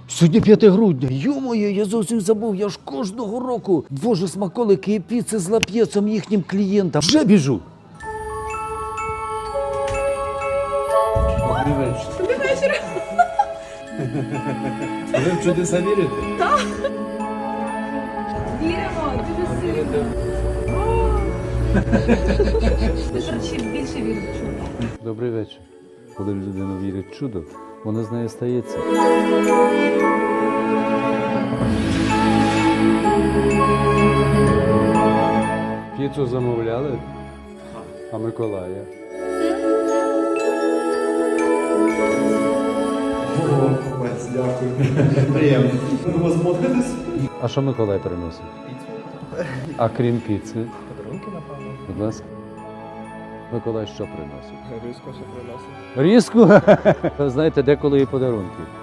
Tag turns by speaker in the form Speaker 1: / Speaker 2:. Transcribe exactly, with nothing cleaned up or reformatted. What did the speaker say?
Speaker 1: Сьогодні п'яте грудня. Йо-моє, я зовсім забув. Я ж кожного року ввожу смаколики і піци з лап'єцом їхнім клієнтам. Вже біжу.
Speaker 2: Добрий вечір.
Speaker 3: Добрий вечір.
Speaker 2: Ви в чудеса вірите?
Speaker 3: Так. Віримо, дуже сильно. Ти, до речі, більше віриш в чудо.
Speaker 1: Добрий вечір. Коли людина вірить в чудо, воно з нею стається. Піцу замовляли? А Миколая?
Speaker 2: О, купець, дякую. Приємно. Ви вас модитесь?
Speaker 1: А що Миколай приносить?
Speaker 2: Піцу.
Speaker 1: А крім піци?
Speaker 2: Подарунки, напевно.
Speaker 1: Будь ласка. Миколай що приносить?
Speaker 2: Різко ще приносить.
Speaker 1: Різку? Знаєте, деколи і подарунки.